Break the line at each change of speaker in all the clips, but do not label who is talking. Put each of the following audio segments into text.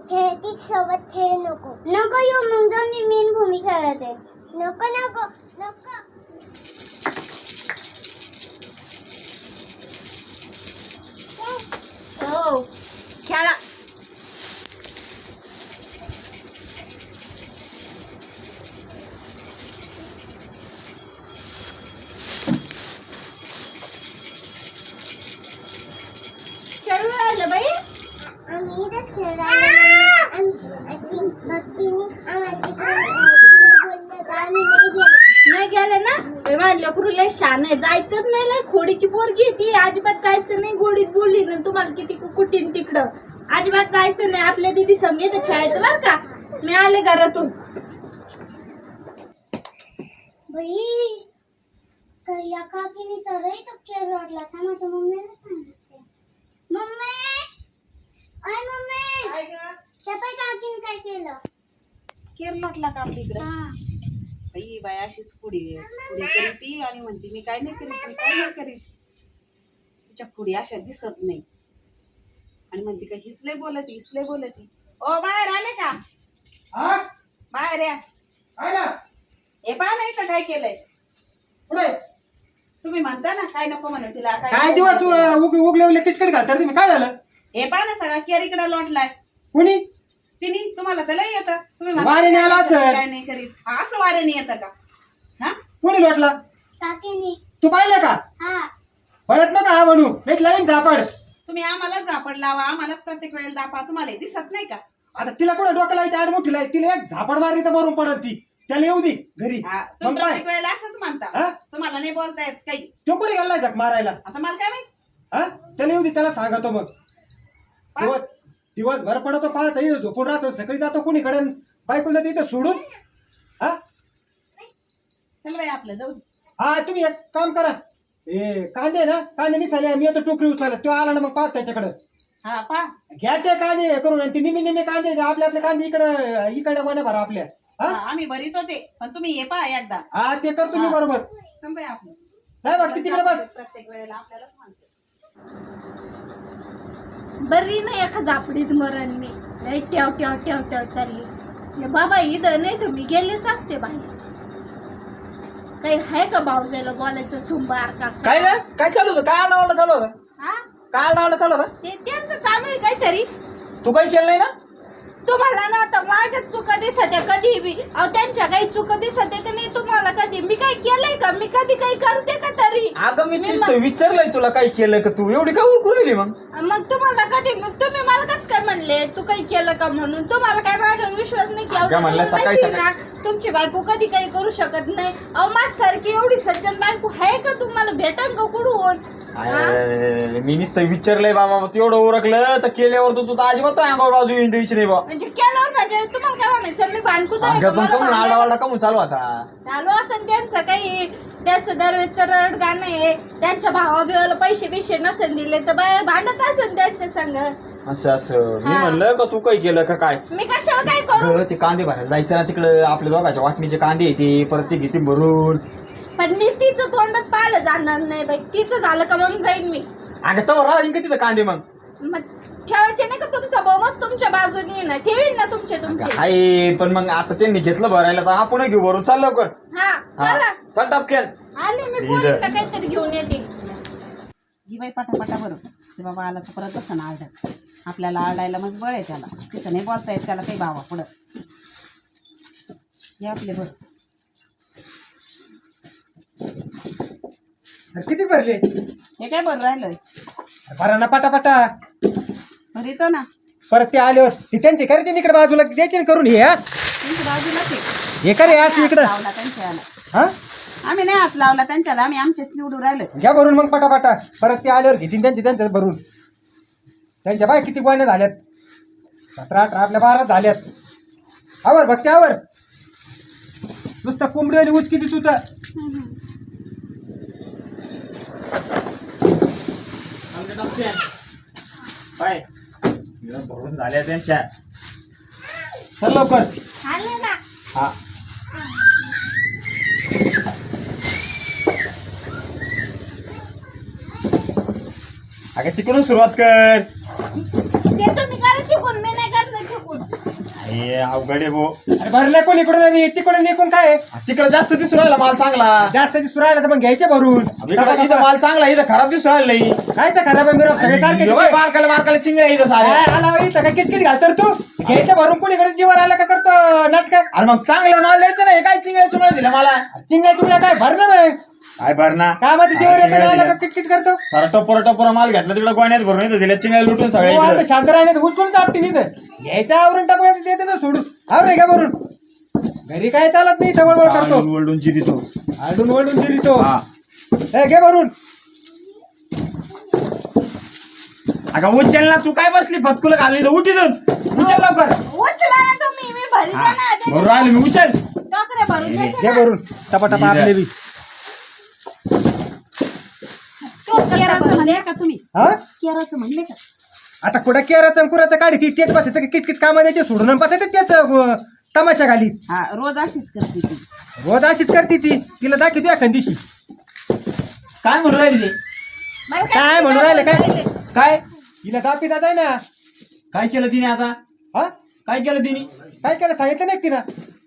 खेळती सोबत खेळ नको नको येऊ मग जाऊन मी मेन भूमी खेळते नको नको नको
हो खेळा खेळू राहिलं बाई
आम्ही इथंच खेळायला भक्तीने आम्हाला तिकडे बोललं तर आम्ही
नाही गेले ना माझ्या लेकरू लय शान आहे जायचंच नाही लय खोडीची पोरगी ती अजिबात जायचं नाही गोडीत बोलली ना तुम्हाला किती कुठीन तिकडं अजिबात जायचं नाही आपल्या दिदी समजे तर खेळायचं बरं का मी आले घरातून
बाई या काकीने सगळी तो खेळ वाटला था माझ्या मम्मीला सांगितले मम्मी आय मम्मी चपाई काकीने काय केलं
केरलातला का आपल्या इकडे बाई बाय अशीच पुढे करीती आणि म्हणते मी काय नाही करीत तिच्या पुढे अशा दिसत नाही आणि म्हणते का हिसले बोलती ओ बाहेर आले का बाहेर या हे पहा नाही का काय केलंय
पुढे
तुम्ही म्हणता ना काय नको म्हणून तिला
काय दिवस उगले किटकिट घालतात तुम्ही काय झालं
हे पहा ना सगळा केर इकडे लोटलाय
कुणी
तिने तुम्हाला तर लय येतं तुम्ही
वाऱ्याने आला असेल.
काय नाही करीत असं वाऱ्याने येतं का हा
कुणी लोटला
काकीने
तू पाहिलं का
हा
पळत नका हा म्हणू एक लाईन झापड
तुम्ही आम्हालाच झापड लावा आम्हालाच प्रत्येक वेळेला दापा तुम्हाला दिसत नाही का
आता तिला कोणा डोक्याला येते आड मोठी लाय तिला एक झापड मारली तर मरून पडत ती त्याला येऊ दे घरी
हा, तुम्ही
मग काय
प्रत्येक वेळेला असंच म्हणता
हा?
तुम्हाला नाही बोलता येत काही
तो कुठे गेला झक मारायला
आता मला काय माहित
हा त्याला येऊ दे त्याला सांगतो मग दिवसभर पडतो पाहत झोपून राहतो सकाळी जातो कुणीकडे बायकोला तिथं सोडून हा
चल बाई आपलं जाऊ दे.
हा तुम्ही एक काम करा कांदे ना कांदे निघाले मी आता टोकरी उचलायला तो आला ना मग पाहत त्याच्याकडे
हा पा
घ्यायचे कांदे हे करून आणि ते निम्मे कांदे आपले कांदे इकडे गोण्या भरा आपल्या हा
आम्ही भरीत होते पण तुम्ही ये पा एकदा
हा ते करतो मी बरोबर
चल बाई आपलं
नाही बघ तिकडे बस
प्रत्येक वेळेला आपल्यालाच म्हणते
बरी नाही एका झापडीत मरण मी लय ठेव चालली हे बाबा इथं नाही तर मी गेलेच असते बाहेर काही आहे का भाऊजायला बोलायचं सुंबार का
काय चालू होतं काय आरडाओरडा चालू होता
हा
काय आरडाओरडा चालू होता
ते त्यांचं चालू आहे काहीतरी
तू काही केलं नाही ना
तुम्हाला ना आता माझ्या चुका दिसत कधी बी अहो त्यांच्या काही चुका दिसत का नाही तुम्हाला कधी मी काय केलंय का मी कधी काही करते का तरी
अगं मी तीच तर विचारलंय तुला काही केलं का तू एवढी का उरकून राहिली
मग तुम्हाला कधी तुम्ही मला कसं काय म्हणले तू काही केलं का म्हणून तुम्हाला काय माझ्यावर विश्वास नाही की
अगं म्हणलं
तुम्हाला
सकाळी
माहिती ना तुमची बायको कधी काही करू शकत नाही अहो माझ्यासारखी एवढी सज्जन बायको आहे का तुम्हाला भेटन का कुठून
मी नुसतं विचारलंय बाबा तू एवढं उरकलं तर केल्यावर तू तर अजिबात अंगावर बाजू येऊन द्यायची नाही बा
म्हणजे केल्यावर म्हणजे तुम्हाला काय म्हणायचं मी भांडकुत आहे का?
अगं पण
मला
कमून
भांडायला-
आरडाओरडा कमून चालू आता
चालू असेल त्यांचं काही त्यांचं दरवेळचं रड गाणं आहे त्यांच्या भावा बिवाला पैसे बिशे नसेल दिले तर बाय भांडत असेल त्यांच्या संग
असं मी म्हणलं का तू काही केलं का काय
मी कशाला काय करू
अगं, ते कांदे भरायला जायचं ना तिकडं आपल्या दोघांच्या वाटणीचे कांदे येते परत ते घेते भरून
पण मी तिचं तोंडच पाहिलं जाणार नाही बाई तिचं झालं का मग जाईन मी
अगं तर राहील का तिथं कांदे मग
ठेवायचे नाही का तुमचा बोमच तुमच्या बाजूने ना ठेवीन ना तुमचे
आहे पण मग आता त्यांनी घेतलं भरायला तर आपण घेऊ भरून चाल लवकर
हा चला
चल टापकेन
आले मी पोरीला काहीतरी घेऊन येते
ही बाई पटापटा बरं ते बाबा आला तर परत असं ना आरडत आपल्याला आरडायला मग बळ आहे त्याला तिथं नाही बोलता येत त्याला काही भावा पुढं हे आपले बरं
किती भरले
हे काय बरं राहिलंय
भरा ना पटापटा
भरीतो ना
परत ते आल्यावर ती त्यांचे करते इकडे बाजूला द्यायचे ना करून हे हा
त्यांच्या बाजूला
हे करे असं इकडं
लावला त्यांच्याला
हा
आम्ही नाही हात लावला त्यांच्याला आम्ही आमचेच निवडून राहिलो
घ्या भरून मग पटापटा परत ते आल्यावर घेतील त्यांच्या भरून त्यांच्या बाय किती गोण्या झाल्यात 17-18 आपल्या 12 झाल्यात आवर भक्ती आवर नुसतं कोंबडी आणि ऊस किती तुझं
काय भरून झाल्या त्यांच्या
चल लवकर
आले ना
हा
अगं तिकडून सुरुवात कर
ते तुम्ही करा शिकून मी नाही करणार शिकून
हे अवघड आहे भो.
अरे भरले कोण इकडून आणि तिकडून निघून काय
तिकडे जास्त दिसू राहिला माल चांगला.
जास्त दिसून राहिला तर मग घ्यायचे भरून
इथं माल चांगला, इथं खराब दिसू राहिला.
कायचा खराब आहे मिरव सगळे सारखे
बारकाला बारकाला चिंगड्या इथं साऱ्या.
काय आला बाई, इथं काय किटकिट घालतर तू घ्यायचं भरून कोणीकडे जीवर आला का करतो नाटक.
अरे मग चांगलं माल द्यायचं नाही, काय चिंगड्या चुंगड्या दिल्या मला.
चिंगड्या चुंगड्या काय भर ना मग
काय भरणा
काय माहिती जीवर येतं आला का किटकिट करतो.
सारा टपोरा माल घेतला तिकडे गोण्यात भरून येतं दिल्या चिंगड्या लुटून
हो, आता
सगळ्या.
शांत राहिले उचलून आपटी इथं घ्यायचं आवरून टाकू देतं सोडून आवरे का भरून घरी काय चालत नाही इथं वळवळ करतो
वळून जिरितो.
आडून वळून जिरितो.
हा
हे घे भरून.
अगं उचल ना, तू काय बसली फतकुलं घालली तर उठी जाऊन उचल लवकर.
उचला ना तुम्ही, मी भरी
हा,
ना
बरोबर राहिलं मी उचल.
टोकरे भरून द्यायचे
घे
ना.
भरून टपाटपा आपले बी.
टोकरे भरून
म्हणले
द्या.
का तुम्ही
हा
केराचं म्हणले का
आता कुठं केराचं कुराचं काढी ती तेच बसायचं किटकिट कामा द्यायचे सोडून बसायचं तेच तमाशा घाली.
हा रोज अशीच करते ती.
रोज अशीच करते ती. तिला दाखवते एखाद दिवशी
काय म्हणून राहिली ते?
बाई,
काय म्हणून राहिले काय
काय
तिला दापिता जाय ना.
काय केलं तिने आता?
हा
काय केलं तिने?
काय केलं सांगितलं नाही तिनं.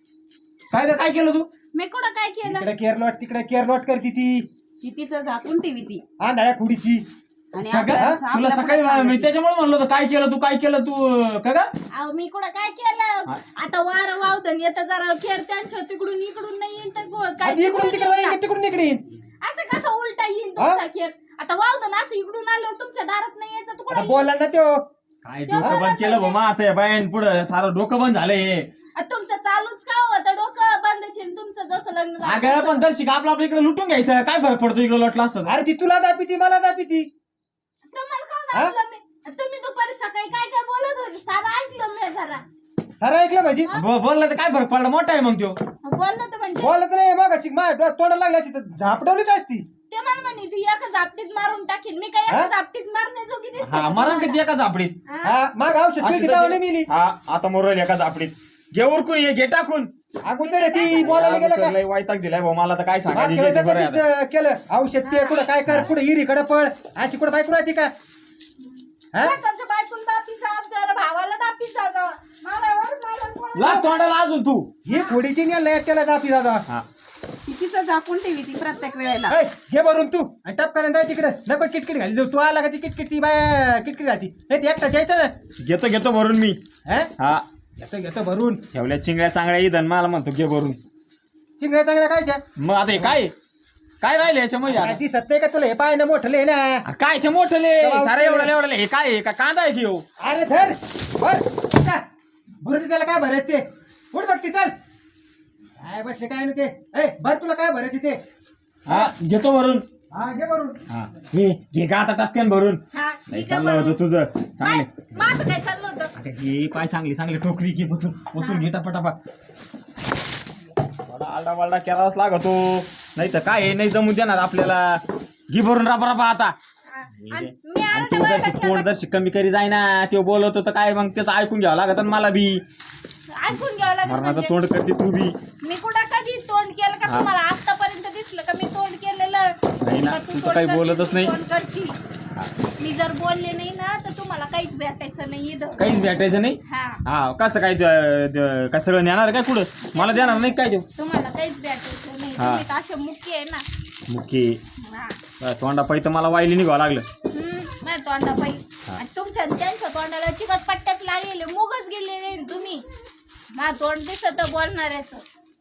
काय केलं तू?
मी कुठं काय केलं?
इकडे केरलोट तिकडे केरलोट करते ती
ती तिचं झाकून ठेवी ती
आंधळ्या खुडीची.
आणि
का ग?
आपल्या-
तुला
आपल्या
सकाळी
पुढं
मी त्याच्यामुळे म्हणलो होतं काय केलं तू का ग?
अहो मी कुठं काय केलं? आता वारं वावदन येतं जरा खेर त्यांच्या तिकडून इकडून नाही येईल तर काय
आधी इकडून तिकडे जाईल, तिकडून इकडे येईल.
असं कसं उलटा येईल तुमचा खेळ? आता वावदन असं इकडून आलं तुमच्या दारात नाही यायचं तू
आता
कुठं
बोलला ना त्यो.
काय डोकं बंद केलं बा आता या बाईन पुढं सारं डोकं बंद झालंय.
तुमचं चालूच का होतं डोकं बंद चिन तुमचं जसं लग्न झालं
अगं
तसं.
पण दर्शिक आपलं इकडे लुटून घ्यायचं, काय फरक पडतो इकडे लोटला असतं.
अरे ती तुला दापिती मला दापिती.
तुम्हाला कोण ऐकलं मी? तुम्ही दुपारी सकाळी काय काय बोलत होते सारं ऐकलं मी जरा
सारं ऐकलं म्हणजे
बोललं तर काय फरक पडला, मोठा आहे मग तो.
बोललं तर म्हणजे
बोलत नाही मग अशी माझ्या तोंडाला लागली असती तर झापडवलीच असती.
ते मला म्हणे ती एका झापटीत मारून टाकीन. मी काय एका
हा?
झापटीत मारणे जोगी दिसते
हा
का
मरण
तुम्हाला?
किती एका झापडीत.
हा?
हा मग औषध
अशी
पिळती
तशी-
तावणे मिली.
हा आता मोरल एका झापडीत घे उरकून ये, घे टाकून.
अगोदर ती बोलायला गेलं का
लय वैताग दिलाय भाऊ मला तर काय सांगायचं
मागच्या
इथे बरं आहे
वेळेस
आता.
तसंच केलं औषध पिय कुठं काय कर कुठं हिरीकडे पळ अशी कुठं बायको राहते का. हा
स्वतःच्या बायकोला दापीचा जरा भावाला दापीचा जा. मला कोण-
लाग तोंडाला अजून तू.
ही खोडीची नाही त्याला दापी दादा.
हा
ती तिचं झाकून ठेवी ती प्रत्येक वेळेला.
ऐ, घे भरून तू आणि टपकाने जाय तिकडे नको किटकिट घाली जाऊ. तू आला का ती किटकिट ती बाय किटकिट घालती. हे ती एकटा जायचं ना.
घेतो भरून मी.
हा
हा
घेतो घेतो भरून.
ठेवल्या चिंगड्या चांगल्या इथं मला म्हणतो घे भरून.
चिंगड्या चांगल्या खायच्या.
मग आता हे काय राहिले याच्यामध्ये आता?
ती सत्य का तुला हे पाय ना मोठं ले ना.
कायचे मोठले सारे एवढं हे काय आहे? का कांदा आहे की हो?
अरे धर बर भरून त्याला काय भरायचं ते उठ बघ ती चल काय बसले काय ना ते. ए भर तुला काय भरायचं ते.
हा घेतो भरून.
हा घे भरून.
हा घे का आता टपक्यान भरून.
हा,
नाही
ठीक आहे
चाललं
बरं.
होतं तुझं
काय?
चांगले.
माझं काय चाललं होतं?
आता हे पाय चांगली टोकरी की ओतून घे टपाटपा. आलडा वालडा करावाच लागतो, नाही तर काय आहे, नाही जमू देणार आपल्याला. घे भरून रापा आता.
आणि मी
आणि
आरडा
तो
वारडा
जर
केला.
पोट जर कमी करी जाय ना तो बोलवतो तर काय मग त्याचं ऐकून घ्यावं लागत आणि मला बी
ऐकून घ्यावं लागेल
मरणाचं
म्हणजे.
तोंड करते तू बी.
मी कुठं कधी तोंड केलं का
हा.
तुम्हाला आतापर्यंत दिसलं का मी तोंड केलेलं?
नाही ना,
का
तू तर
तोंड
काही
करते,
बोलतच
तू
नाही.
तोंड करती. मी जर बोलले नाही ना तर तुम्हाला काहीच भेटायचं नाही इथं.
काहीच भेटायचं नाही.
हा
हा कसं काय काय सगळं नेणार काय पुढं मला देणार नाही काय देऊ.
तुम्हाला काहीच भेटायचं नाही.
हा.
तुम्ही तर असे मुख्य आहे ना.
मुख्य
हा.
तोंडा तर मला वायली निघावं लागलं.
माझ्या तोंडापाई आणि तुमच्या त्यांच्या तोंडाला चिकट पट्ट्यात लागेल मुगच गेले नाही तुम्ही. माझं तोंड दिसत बोलणाऱ्याच.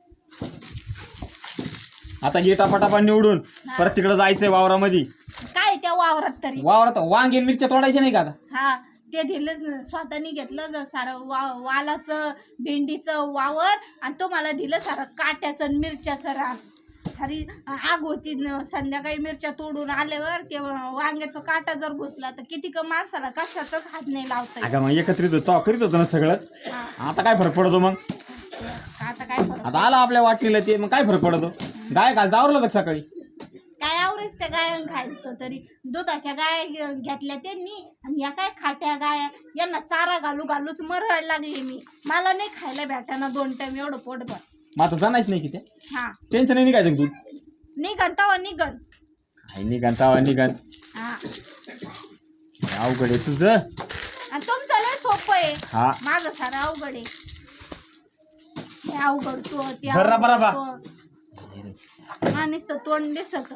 आता हे टपाटपा निवडून परत तिकडे जायचंय वावरामध्ये.
काय त्या वावरात तरी.
वावरात वांगे मिरच्या तोडायच्या नाही का आता?
हा ते दिलंच ना स्वतःनी घेतलं सारं वालाचं भेंडीचं वावर आणि तुम्हाला दिलं सारं काट्याचं आणि मिरच्याचं रान. सारी आग होती संध्याकाळी मिरच्या तोडून आल्यावर ते वांग्याचं काटा जर घुसला तर किती का माणसाला कशाचाच हात नाही लावता.
अगं मग एकत्रित होतो करीत होतो ना सगळं. आता काय फरक पडतो मग?
आता काय फरक?
आता आला आपल्या वाटलीला ते मग काय फरक पडतो? गाय काल जावरलं होतं सकाळी.
काय आवरेच त्या गाय खायचं तरी दुधाच्या गाय घेतल्या त्यांनी आणि या काय खाट्या गाया यांना चारा घालूच मरायला लागले मी. मला नाही खायला भेटाना 2 टाइम एवढं पोटभर.
मग आता जाणायच नाही की ते
हा
टेन्शन नाही निघायचं तू.
निघन तवा निघन.
काय निघान तावा निघान
हा
अवघड आहे तुझं.
आणि तुमचं लय सोपं आहे.
हा
माझं सारं अवघड आहे. ते अवघड तो ते
बरं, बरं, बरं.
अवघड तो. नुसतं तोंड दिसत.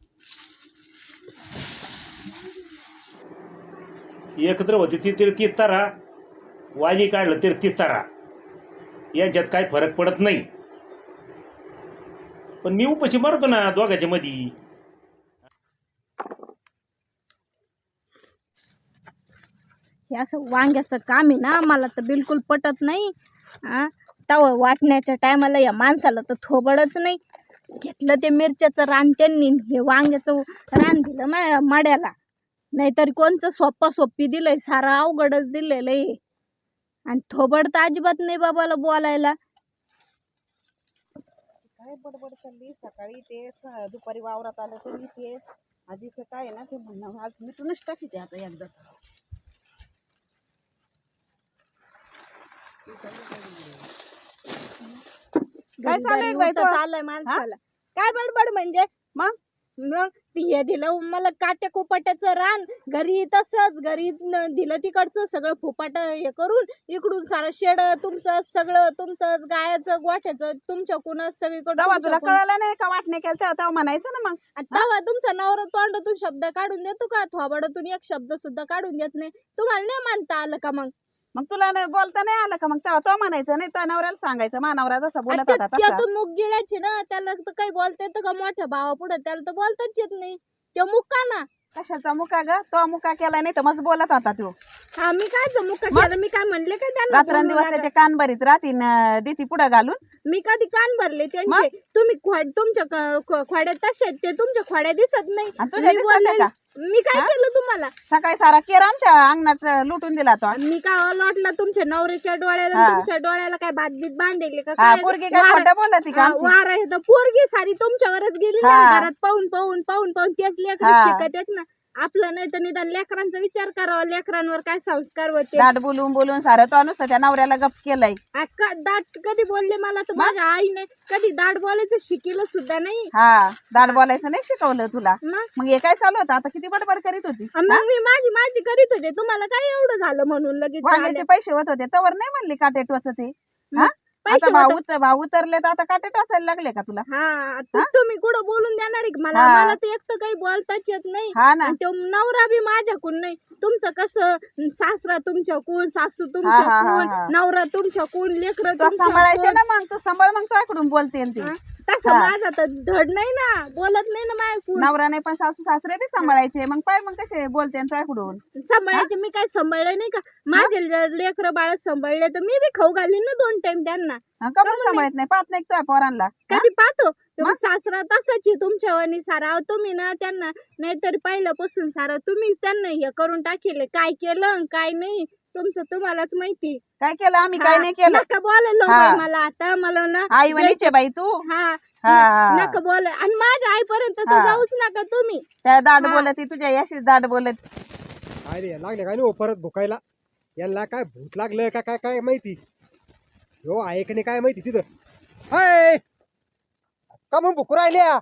एकत्र होती ती तीच तारा, वायली काढलं तरी तीच तारा, यांच्यात काय फरक पडत नाही. पण मी उपाशी मारतो ना दोघांच्या मध्ये.
हे असं वांग्याचं काम आहे ना, मला तर बिलकुल पटत नाही. तवा वाटण्याच्या टायमाला या माणसाला तर थोबडच नाही. घेतलं ते मिरच्याचं रान त्यांनी, हे वांग्याचं रान दिलं माड्याला. नाहीतर कोणचं सोप्पी दिलंय, सारं अवघडच दिलेलं आहे. आणि थोबड तर अजिबात नाही बाबाला बोलायला.
काय बडबड चालली सकाळी ते दुपारी वावरात आलं तरी ते आधी काय आहे ना ते म्हणणं आज मिटूनच टाकी ते आता एकदाच. काय चाललंय बाई तो?
चाललंय माणसाला. काय बडबड म्हणजे
मग
हे दिलं मला काट्या कुपाट्याचं रान, घरी तसंच घरी दिलं तिकडचं सगळं फुपाट हे करून, इकडून सारं शेड तुमचं, सगळं तुमचं, गायाचं गोठ्याचं तुमच्याकडूनच
तेव्हा तुला
सगळीकडे.
कळालं नाही का वाटणे केलं तेव्हा म्हणायचं ना मग.
तेव्हा तुमचा नवरा तोंडातून शब्द काढून देतो का? थोबाडातून एक शब्द सुद्धा काढून देत नाही. तुम्हाला नाही मानता आलं का?
मग तुला नाही बोलता नाही आलं का? मग तेव्हा तो म्हणायचं नाही, तो नवऱ्याला सांगायचं मानवरा जसा बोलत होता तसा.
त्या मुग गिळायची ना, त्याला तर काही बोलता येतं का? मोठ्या भावा पुढे त्याला तर बोलताच येत नाही. तो मुक्का ना.
कशाचा मुका ग? तो मुका केला नाही तर मस्त बोलत होता तो.
हा, मी काय मुक्का केलं? मी काय म्हणले का त्यांना?
रात्रंदिवस त्याचे कान भरीत राहतील देती पुढे घालून.
मी कधी कान भरले त्यांचे? तुम्ही तुमच्या खोड्यात तसे आहेत, ते तुमच्या खोड्या दिसत नाही.
आणि तुझ्या
मी
दिसत
बोलले-
का?
मी काय केलं तुम्हाला?
सकाळी सारा केर आमच्या अंगणात लुटून दिला तो.
मी काय लोटला तुमच्या नवऱ्याच्या डोळ्याला?
हा.
तुमच्या डोळ्याला काय बादलीत बांधले का?
हा,
काय
पोरगी काय खोटं बोलती का आमची?
वार आहे तर पोरगी सारी तुमच्यावरच गेली ना.
हा.
घरात पाहून तेच लेकर
हा.
शिकत आहेत ना. आपलं नाही तर निदान लेकरांचा विचार करावा, लेकरांवर काय संस्कार होते.
दाट बोलून सारं तो नुसतं त्या नवऱ्याला गप केलंय.
दाट कधी बोलले मला तर? माझ्या आईने कधी दाट बोलायचं शिकलं सुद्धा नाही.
हा, दाट बोलायचं नाही शिकवलं तुला.
मग
मग हे काय चालू होतं आता? किती बडबड करीत होती.
मग मी माझी करीत होते. तुम्हाला काय एवढं झालं म्हणून लगेच
वांग्याचे
झालं?
पैसे होत होते तवर नाही म्हणली काटे टोचत ते. हा?
पैसे
आता
होतं.
भाव उतरले तर आता काटे टोचायला लागले का तुला?
हा, तुम्ही कुठं बोलून देणार आहे का मला?
हा.
मला तर एक तर काही बोलताच येत नाही.
हा ना.
आणि तो नवरा बी माझ्याकडून नाही. तुमचं कसं, सासरा तुमच्याकडून, सासू
हा, हा,
तुमच्याकडून,
हा.
नवरा तुमच्याकडून, लेकरं
तो सांभाळायचे
तुमच्याकडून.
ना, मग तू सांभाळ, मग तुझ्याकडून बोलते ती.
हा? तसं
हा.
माझा तर धड नाही ना, बोलत नाही ना माझ्याकडून.
नवरा नाही पण सासू सासरे बी सांभाळायचे. मग पाय मग कसे बोलते तुझ्याकडून.
सांभाळायचे. मी काय सांभाळलं नाही का? माझे लेकर बाळ सांभाळले तर मी बी खाऊ घालीन ना 2 टाइम त्यांना.
का पण सांभाळत नाही? पाहत नाही तुझ्या पोरांना.
कधी पाहतो तेव्हा सासरा तसाच आहे तुमच्यावानी सारा. अहो, तुम्ही ना त्यांना नाहीतर पहिल्यापासून सारा तुम्हीच त्यांना हे करून टाकेले. काय केलं आणि काय नाही तुमचं तुम्हालाच माहिती.
काय केलं आम्ही? काय नाही केलं.
नका बोलायला
हा.
बाई मला आता. मला ना
आई वनीचे बाई तू.
हा
हा.
नका बोल. आणि माझ्या आईपर्यंत तर
हा.
जाऊच नका तुम्ही.
त्या दाट
हा.
बोलत तुझ्या याशीच दाट बोलत.
काय रे लागले काय नाही परत भुकायला? यांना काय भूत लागलं का काय काय माहिती? हो आहे का नाही काय माहिती तिथं? हाय का मग भुकू राहिल्या?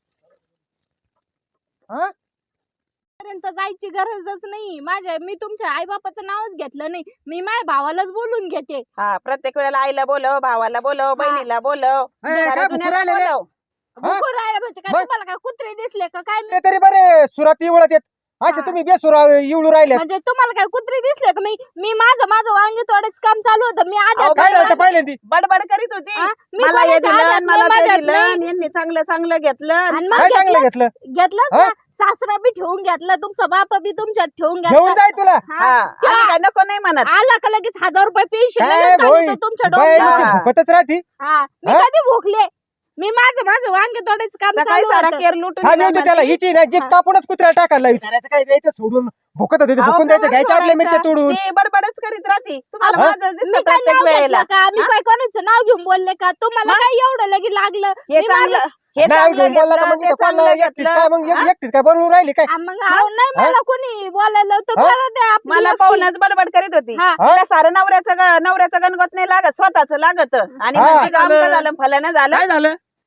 हा
पर्यंत जायची गरजच नाही. मी तुमच्या आई बापाचं नावच घेतलं नाही. मी माझ्या भावालाच बोलून घेते.
हा, प्रत्येक वेळेला आईला बोलव, भावाला बोलव, बहिणीला बोलव,
काय
साऱ्या
भुकू
दुनियाला
राहिले रे?
बोलव.
भुकून राहिलं म्हणजे काय?
मग?
तुम्हाला काय कुत्रे दिसले का काय?
ते तरी बरे सुरात इवळत येत असे
हा.
तुम्ही बेसुरा इवळू राहिले.
म्हणजे तुम्हाला काय कुत्रे दिसले का? मी माझं वांगे तोडेच काम चालू होतं. मी
अहो,
आधी
काय झालं पहिल्यांदी?
बडबड करीत होती.
हा? मी
मला हे
कोणाच्या
दिलं,
आड्यात
मला
नाही,
ते
मध्यात
दिलं,
नाही.
आणि यांनी चांगलं घेतलं.
आणि मग
काय चांगलं घेतलं?
घेतलंच
हा?
ना. सासरा बी ठेवून घेतला, तुमचा बाप बी तुमच्यात ठेवून
घेऊन
घेतला.
जाय तुला.
हा, आम्ही काय नको नाही म्हणत.
आला का लगेच 1000 रुपये पेन्शन
काय भोई
तुमच्या
बाई
डोक्यात.
डोक्यात.
भुकतच राहती.
हा, मी
हा?
कधी भोगले? मी माझं वांगे तोडायचं काम
सकाळी
चालू
सारा
होतं.
केर लुटून
हा
दिला
नेऊ त्याला
म्हणते.
हिची नाही जीप
हा.
कापूनच कुत्र्याला टाकायला लावी. त्याचं काय द्यायचं सोडून भुकत होते ते
अहो,
भुकून द्यायचं
केव्हा
घ्यायचं आपल्या मिरच्या
सोडायचं?
तोडून.
ती बडबडच करीत राहते. तुम्हाला
हा?
माझं दिसतं
मी काय
प्रत्येक
नाव
वेळेला.
घेतलं का? मी काय कोणाचं नाव घेऊन बोलले का? तुम्हाला काय एवढं लगे लागलं?
हे
मी
चांगलं हे
नाही
चांगलं
घेऊन बोलला का
घेतलं,
मग
ते
इथं
चांगलं
कोणाला एकटीच
घेतलं.
काय मग
हा?
एकटीच काय बनवून राहिली काय?
मग अहो, नाही मला कोणी बोलायला तर
हा?
मला ते आपली
मला
एकटी.
पाहूनच बडबड करीत होती.
हा.
तिला सारं नवऱ्याचं गणगत नाही लागत, स्वतःच लागत. आणि
हा.
म्हणजे काम का झालं, फलानं झालं.
काय झालं?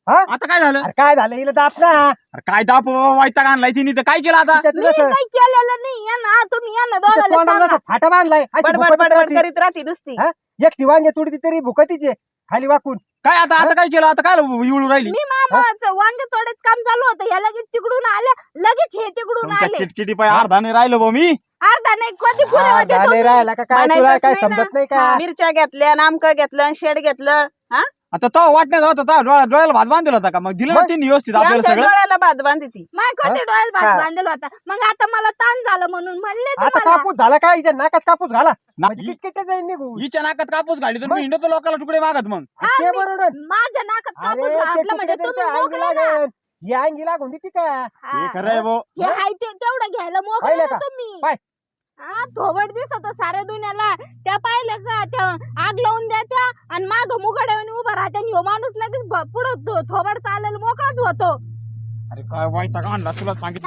हा
आता काय झालं?
अरे काय झालं हिला दाप ना
अरे काय दाप वाईटा आणलाय तिने तर काय केलं आता?
तिच्या
मी
तुला
काही केलेलं नाही या ना तुम्ही या ना
तिच्या
दोघाला
तोंडाला
सांगा.
असं फाटा बांधलाय अशी
बडबड
भुकटीत
बडबड
राहती.
करीत राहते नुसती.
हा? एकटी वांगे तुडती तरी भुकतीचे खाली वाकून.
काय आता आता काय केलं? आता काय इवळू राहिली?
मी मामाचं वांगे तोडेच काम चालू होतं ह्या लगेच तिकडून आल्या लगेच हे तिकडून
तुमच्या
आले
किटकिटी पाय अर्धा नाही राहिलो भाऊ मी.
अर्धा नाही कधी पुढे
हा,
होते
झाले
तुम्ही?
राहिला का काय
म्हणायचंच
तुला काय
नाही ना.
समजत नाही का?
मिरच्या घेतल्या नामकं घेतलं शेड घेतलं. हा
आता तो वाटण्यात होता तो डोळ्याला भात बांधला होता का? मग दिलं ना
मग?
तिने व्यवस्थित
ती
आपल्याला
आमच्या
सगळं.
डोळ्याला भात बांधती ती.
माय कधी डोळ्यात
हा.
भात बांधलेला होता मग आता मला ताण झालं म्हणून म्हणले
आता
तुम्हाला
कापूस झाला काय हिच्या नाकात कापूस घाला
ना-
म्हणजे किटकिट जाईल निघून.
हिच्या नाकात कापूस घाली तर
मग?
मी हिंडतो लोकांना तुकडे मागत मग.
हा,
ते
मी-
बरोबर
माझ्या नाकात कापूस
अरे ते
घातलं म्हणजे
तुकडे
तुम्ही
त्यांच्या अंगी
मोकळे ना.
लागन या अंगी लागून देते का
हा.
हे खरंय भाऊ.
हे हाय ते तेवढं घ्यायला मोकळे
पाहिलं
ना
का?
तुम्ही
पाय.
हा थोबड दिसतो साऱ्या दुनियाला त्या पाहिलं का त्या आग लावून द्या त्या आणि माग मुगाड्याने उभा राहत्या आणि ह्यो माणूस लगेच पुढं थोबड चालेल मोकळाच होतो.
अरे काय वाईटा आणला तुला सांगितलं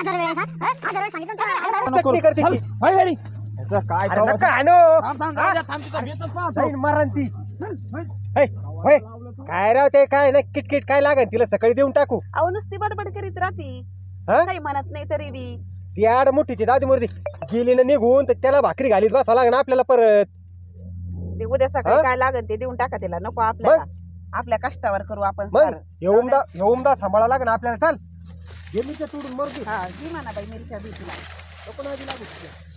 चटणी करते ती.
हाय घरी. याचं काय
अरे
जाऊ
नका
आता.
आणू.
थांब, थांब, जाऊ द्या, थांब, तिथं भेटच पाहतो.
जाईन मरण ती है, होय. काय राव ते काय ना किटकिट काय लागन तिला सकाळी देऊन टाकू
अहो नुसती बडबड करीत राहती.
हा
काही म्हणत नाही तरी बी.
ती आड मोठीची दादी मूर्ती गेली ना निघून तर त्याला भाकरी घालीत बसावं लागेल आपल्याला परत.
ते उद्या
हा?
सकाळी काय लागेल ते देऊन टाका तिला. नको आपल्याला आपल्या कष्टावर करू आपण
मग
सारं.
येऊमदा सांभाळा लागेल आपल्याला. चाल गेली तोडून मरती
हा घे म्हणा बाई मिरच्या बी तिला.
नको नादी लागू तिला.